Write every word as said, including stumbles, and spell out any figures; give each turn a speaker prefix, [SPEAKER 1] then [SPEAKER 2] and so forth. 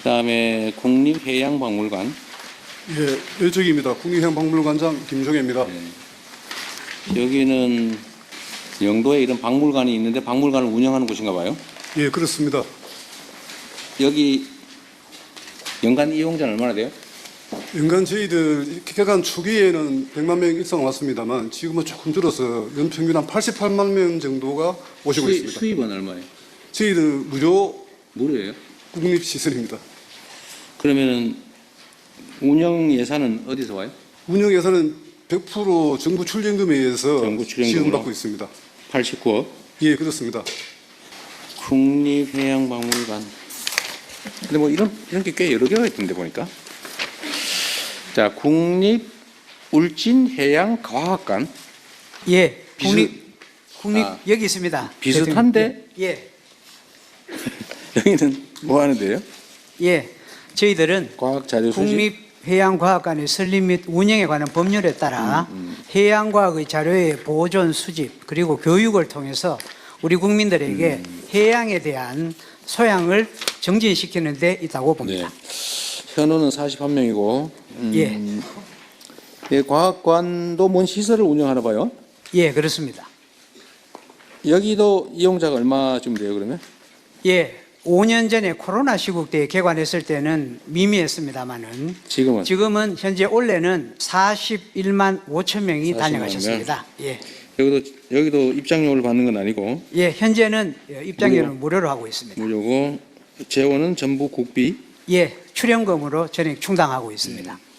[SPEAKER 1] 그다음에 국립해양박물관.
[SPEAKER 2] 예, 일적입니다. 국립해양박물관장 김종혜입니다.
[SPEAKER 1] 네. 여기는 영도에 이런 박물관이 있는데 박물관을 운영하는 곳인가 봐요.
[SPEAKER 2] 예, 그렇습니다.
[SPEAKER 1] 여기 연간 이용자는 얼마나 돼요?
[SPEAKER 2] 연간 저희들 개관 초기에는 백만 명 이상 왔습니다만 지금은 조금 줄어서 연평균 한 팔십팔만 명 정도가 오시고
[SPEAKER 1] 수입,
[SPEAKER 2] 있습니다.
[SPEAKER 1] 수입은 얼마예요?
[SPEAKER 2] 저희들 무료
[SPEAKER 1] 무료예요?
[SPEAKER 2] 국립시설입니다.
[SPEAKER 1] 그러면은 운영 예산은 어디서 와요?
[SPEAKER 2] 운영 예산은 백 퍼센트 정부 출연금에 의해서
[SPEAKER 1] 정부 출연금으로?
[SPEAKER 2] 지원받고 있습니다.
[SPEAKER 1] 팔십구억.
[SPEAKER 2] 예, 그렇습니다.
[SPEAKER 1] 국립해양박물관. 근데 뭐 이런 이런 게 꽤 여러 개가 있던데 보니까. 자, 국립울진해양과학관.
[SPEAKER 3] 예,
[SPEAKER 1] 비슷-
[SPEAKER 3] 국립 국립
[SPEAKER 1] 아,
[SPEAKER 3] 여기 있습니다.
[SPEAKER 1] 비슷한데?
[SPEAKER 3] 예,
[SPEAKER 1] 여기는 뭐 하는데요?
[SPEAKER 3] 예, 예. 저희들은
[SPEAKER 1] 과학자료 수집.
[SPEAKER 3] 국립해양과학관의 설립 및 운영에 관한 법률에 따라
[SPEAKER 1] 음,
[SPEAKER 3] 해양과학의 자료의 보존 수집 그리고 교육을 통해서 우리 국민들에게
[SPEAKER 1] 음.
[SPEAKER 3] 해양에 대한 소양을 정진시키는 데 있다고
[SPEAKER 1] 네.
[SPEAKER 3] 봅니다.
[SPEAKER 1] 현우는 사십일 명이고. 음,
[SPEAKER 3] 예.
[SPEAKER 1] 예, 과학관도 뭔 시설을 운영하나 봐요.
[SPEAKER 3] 예, 그렇습니다.
[SPEAKER 1] 여기도 이용자가 얼마쯤 돼요, 그러면?
[SPEAKER 3] 예, 오 년 전에 코로나 시국 때 개관했을 때는 미미했습니다만은
[SPEAKER 1] 지금은?
[SPEAKER 3] 지금은 현재 올해는 사십일만 오천 명이
[SPEAKER 1] 사십만
[SPEAKER 3] 다녀가셨습니다. 예,
[SPEAKER 1] 여기도 여기도 입장료를 받는 건 아니고
[SPEAKER 3] 예, 현재는 입장료는
[SPEAKER 1] 무료.
[SPEAKER 3] 무료로 하고 있습니다.
[SPEAKER 1] 무료고 재원은 전부 국비.
[SPEAKER 3] 예, 출연금으로 전액 충당하고 있습니다.